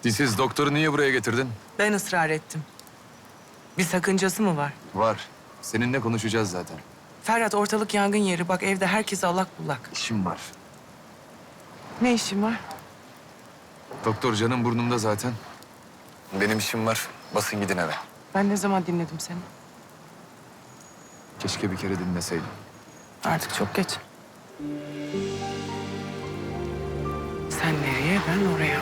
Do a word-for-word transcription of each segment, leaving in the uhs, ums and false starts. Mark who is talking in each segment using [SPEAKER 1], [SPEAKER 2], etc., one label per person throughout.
[SPEAKER 1] Dilsiz, doktoru niye buraya getirdin?
[SPEAKER 2] Ben ısrar ettim. Bir sakıncası mı var?
[SPEAKER 1] Var. Seninle konuşacağız zaten.
[SPEAKER 2] Ferhat, ortalık yangın yeri. Bak evde herkes allak bullak.
[SPEAKER 1] İşim var.
[SPEAKER 2] Ne işin var?
[SPEAKER 1] Doktor canım burnumda zaten. Benim işim var. Basın gidin eve.
[SPEAKER 2] Ben ne zaman dinledim seni?
[SPEAKER 1] Keşke bir kere dinleseydim.
[SPEAKER 2] Artık çok geç. Sen nereye, ben oraya.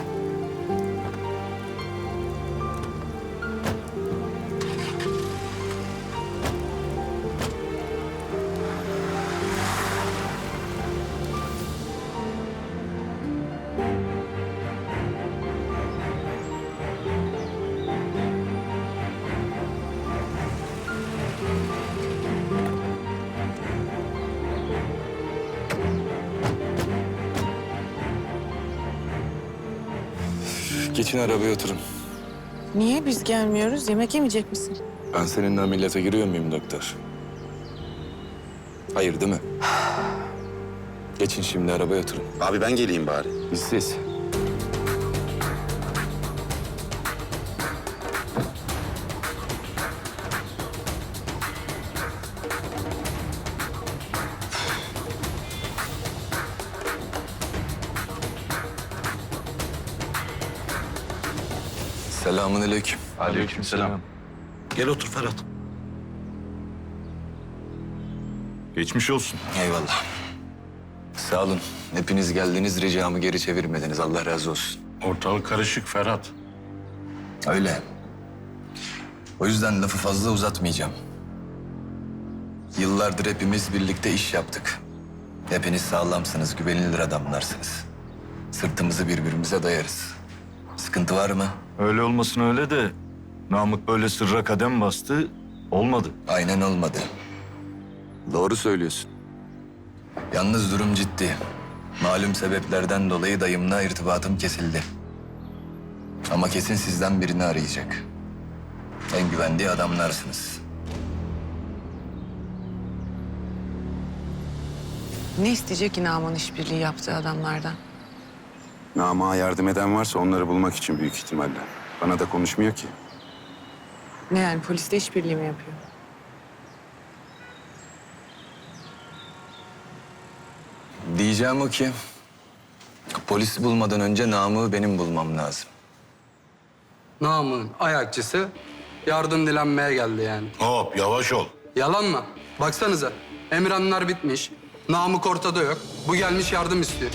[SPEAKER 1] Geçin arabaya oturun.
[SPEAKER 2] Niye biz gelmiyoruz? Yemek yemeyecek misin?
[SPEAKER 1] Ben seninle ameliyata giriyor muyum doktor? Hayır değil mi? Geçin şimdi arabaya oturun.
[SPEAKER 3] Abi ben geleyim bari.
[SPEAKER 1] Dilsiz. Selamünaleyküm.
[SPEAKER 4] Aleykümselam. Gel otur Ferhat. Geçmiş olsun.
[SPEAKER 1] Eyvallah. Sağ olun. Hepiniz geldiniz, ricamı geri çevirmediniz. Allah razı olsun.
[SPEAKER 4] Ortalık karışık Ferhat.
[SPEAKER 1] Öyle. O yüzden lafı fazla uzatmayacağım. Yıllardır hepimiz birlikte iş yaptık. Hepiniz sağlamsınız, güvenilir adamlarsınız. Sırtımızı birbirimize dayarız. Sıkıntı var mı?
[SPEAKER 4] Öyle olmasın öyle de Namık böyle sırra kadem bastı, olmadı.
[SPEAKER 1] Aynen olmadı. Doğru söylüyorsun. Yalnız durum ciddi. Malum sebeplerden dolayı dayımla irtibatım kesildi. Ama kesin sizden birini arayacak. En güvendiği adamlarsınız.
[SPEAKER 2] Ne isteyecek ki Naman işbirliği yaptığı adamlardan?
[SPEAKER 3] Namık'a yardım eden varsa onları bulmak için büyük ihtimalle. Bana da konuşmuyor ki.
[SPEAKER 2] Ne yani, poliste işbirliği mi yapıyor?
[SPEAKER 1] Diyeceğim o ki... polisi bulmadan önce Namık'ı benim bulmam lazım.
[SPEAKER 5] Namık'ın ayakçısı yardım dilenmeye geldi yani.
[SPEAKER 4] Hop yavaş ol.
[SPEAKER 5] Yalan mı? Baksanıza. Emirhanlar bitmiş. Namık ortada yok. Bu gelmiş yardım istiyor.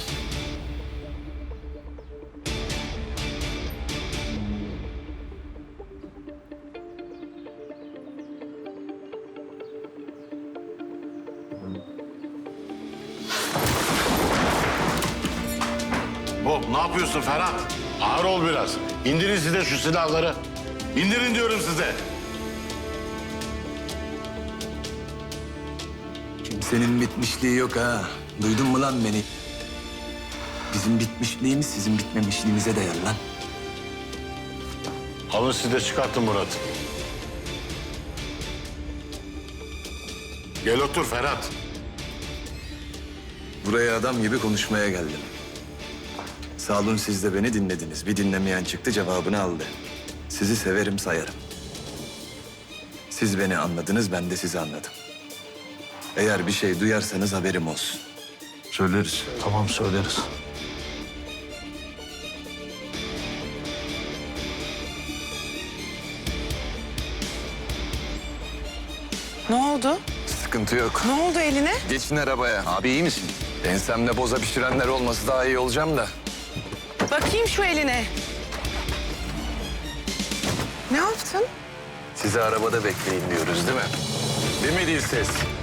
[SPEAKER 6] Hop ne yapıyorsun Ferhat? Ağır ol biraz. İndirin size şu silahları. İndirin diyorum size.
[SPEAKER 1] Kimsenin bitmişliği yok ha. Duydun mu lan beni? Bizim bitmişliğimiz sizin bitmemişliğinize değer lan.
[SPEAKER 6] Alın siz de çıkartın Murat. Gel otur Ferhat.
[SPEAKER 1] Buraya adam gibi konuşmaya geldim. Sağ olun, siz de beni dinlediniz. Bir dinlemeyen çıktı, cevabını aldı. Sizi severim, sayarım. Siz beni anladınız, ben de sizi anladım. Eğer bir şey duyarsanız haberim olsun.
[SPEAKER 4] Söyleriz. Tamam söyleriz.
[SPEAKER 2] Ne oldu?
[SPEAKER 1] Sıkıntı yok.
[SPEAKER 2] Ne oldu eline?
[SPEAKER 1] Geçin arabaya. Abi iyi misin? Ensemde boza pişirenler olması daha iyi olacağım da.
[SPEAKER 2] Bakayım şu eline. Ne yaptın?
[SPEAKER 1] Sizi arabada bekleyin diyoruz değil mi? Değil mi Dilsiz?